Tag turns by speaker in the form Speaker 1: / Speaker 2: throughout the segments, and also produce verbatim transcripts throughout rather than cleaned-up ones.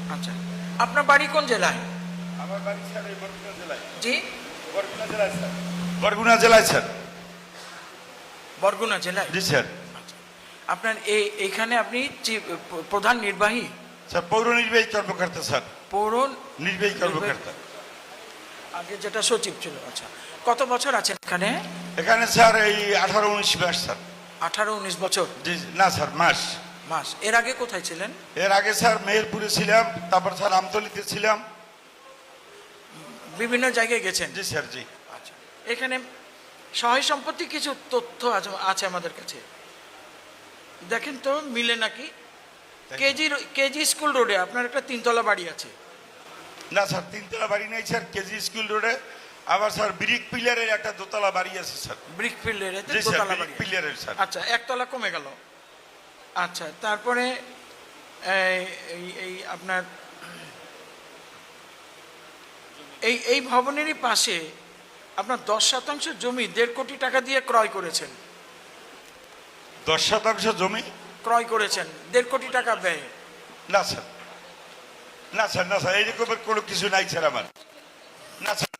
Speaker 1: আচ্ছা, আপনার বাড়ি কোন জেলায়?
Speaker 2: আমার বাড়ি স্যার এই বরগুনা জেলায়।
Speaker 1: জি,
Speaker 2: বরগুনা জেলায় স্যার। বরগুনা জেলায় স্যার।
Speaker 1: বরগুনা জেলায়?
Speaker 2: জি স্যার।
Speaker 1: আচ্ছা, আপনার এই এইখানে আপনি চি- প্রধান নির্বাহী?
Speaker 2: স্যার পৌর নির্বাহী কর্মকর্তা স্যার।
Speaker 1: পৌর
Speaker 2: নির্বাহী কর্মকর্তা।
Speaker 1: আগে যেটা সচিব ছিল। আচ্ছা, কত বছর আছেন এখানে?
Speaker 2: এখানে স্যার এই আঠারো উনিশ মাস স্যার।
Speaker 1: আঠারো উনিশ বছর?
Speaker 2: জি না স্যার, মাস।
Speaker 1: মাস। এর আগে কোথায় ছিলেন?
Speaker 2: এর আগে স্যার মেহেরপুরে ছিলাম, তারপর স্যার আমতলিতে ছিলাম।
Speaker 1: বিভিন্ন জায়গায় গেছেন?
Speaker 2: জি স্যার। জি।
Speaker 1: আচ্ছা, এখানে সহায় সম্পত্তি কিছু তথ্য আছে আছে আমাদের কাছে, দেখেন তো মিলে নাকি। কেজি কেজি স্কুল রোডে আপনার একটা তিনতলা বাড়ি আছে?
Speaker 2: না স্যার, তিনতলা বাড়ি নেই স্যার কেজি স্কুল রোডে। আবার স্যার ব্রিক পিলারের একটা দোতলা বাড়ি আছে স্যার।
Speaker 1: ব্রিক ফিল্ডের
Speaker 2: জি স্যার, ব্রিক পিলারের স্যার।
Speaker 1: আচ্ছা, একতলা কমে গেল। আচ্ছা, তারপরে এই- এই এই আপনার এই এই ভবনেরই পাশে আপনার দশ শতাংশ জমি দেড় কোটি টাকা দিয়ে ক্রয় করেছেন।
Speaker 2: দশ শতাংশ জমি
Speaker 1: ক্রয় করেছেন দেড় কোটি টাকা ব্যয়?
Speaker 2: না স্যার, না স্যার, না স্যার, এইরকমের কোনো কিছু নাই স্যার আমার। না স্যার।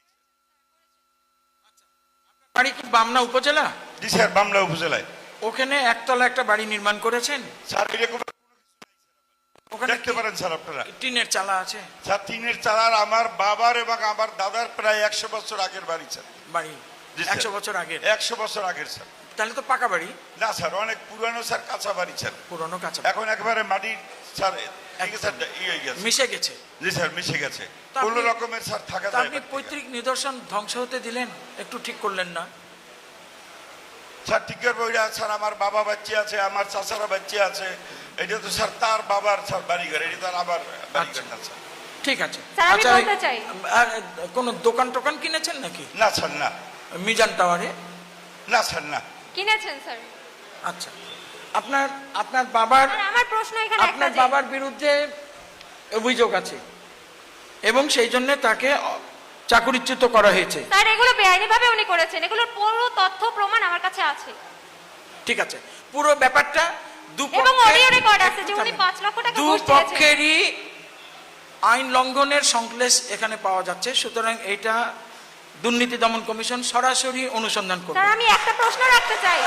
Speaker 1: বাড়ি কি বামনা উপজেলা?
Speaker 2: জি স্যার, বামলা উপজেলায়।
Speaker 1: ওখানে একতলা একটা বাড়ি নির্মাণ করেছেন?
Speaker 2: স্যার এরকম
Speaker 1: ওখানে
Speaker 2: দেখতে পারেন স্যার আপনারা।
Speaker 1: টিনের চালা আছে?
Speaker 2: স্যার টিনের চালার আমার বাবার এবং আমার দাদার প্রায় একশো বছর আগের বাড়ি স্যার।
Speaker 1: বাড়ি
Speaker 2: জি স্যার।
Speaker 1: একশো বছর আগে?
Speaker 2: একশো বছর আগের স্যার।
Speaker 1: তাহলে তো পাকা বাড়ি?
Speaker 2: না স্যার, অনেক পুরানো স্যার, কাঁচা বাড়ি স্যার।
Speaker 1: পুরনো কাঁচা?
Speaker 2: এখন একেবারে মাটির স্যার ঠিক স্যার ইয়ে হয়ে গেছে।
Speaker 1: মিশে গেছে?
Speaker 2: জি স্যার, মিশে গেছে।
Speaker 1: তা আপনি-
Speaker 2: কোনো রকমের স্যার থাকা
Speaker 1: তা
Speaker 2: যায়
Speaker 1: আপনি
Speaker 2: না।
Speaker 1: পৈতৃক নিদর্শন ধ্বংস হতে দিলেন, একটু ঠিক করলেন না?
Speaker 2: স্যার টিকের বইরা স্যার আমার বাবা বাচ্চা আছে, আমার চাচারা বাচ্চা আছে। এটা তো স্যার তার বাবার স্যার বাড়িঘর, এটা তার আবার বাড়িঘর না স্যার।
Speaker 1: ঠিক আছে।
Speaker 3: স্যার, আমি
Speaker 1: আচ্ছা,
Speaker 3: বলতে চাই।
Speaker 1: আর কোনো দোকান টোকান কিনেছেন নাকি
Speaker 2: না স্যার, না।
Speaker 1: মিজান টাওয়ারে?
Speaker 2: না স্যার, না।
Speaker 3: কিনেছেন স্যার?
Speaker 1: আচ্ছা, আপনার আপনার বাবার
Speaker 3: স্যার, আমার প্রশ্ন এখানে একটা
Speaker 1: আপনার
Speaker 3: যে-
Speaker 1: বাবার বিরুদ্ধে অভিযোগ আছে এবং সেই জন্য তাকে অ- চাকরিচ্যুত করা হয়েছে।
Speaker 3: স্যার, এগুলো বেআইনি ভাবে উনি করেছেন, এগুলোর পুরো তথ্য প্রমাণ আমার কাছে আছে
Speaker 1: ঠিক আছে, পুরো ব্যাপারটা
Speaker 3: এবং অডিও রেকর্ড আছে যে উনি পাঁচ লক্ষ টাকা ঘুষ দিয়েছেন।
Speaker 1: দুপক্ষেরই আইন লঙ্ঘনের সংশ্লেষ এখানে পাওয়া যাচ্ছে, সুতরাং এটা দুর্নীতি দমন কমিশন সরাসরি অনুসন্ধান করবে।
Speaker 3: স্যার, আমি একটা প্রশ্ন রাখতে চাই।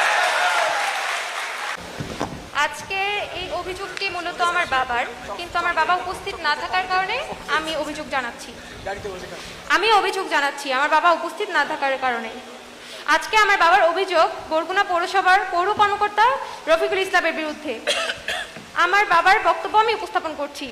Speaker 3: আজকে এই অভিযোগটি মূলত আমার বাবার, কিন্তু আমার বাবা উপস্থিত না থাকার কারণে আমি অভিযোগ জানাচ্ছি। আমি অভিযোগ জানাচ্ছি আমার বাবা উপস্থিত না থাকার কারণে। আজকে আমার বাবার অভিযোগ বরগুনা পৌরসভার পৌর কর্মকর্তা রফিকুল ইসলামের বিরুদ্ধে। আমার বাবার বক্তব্য আমি উপস্থাপন করছি।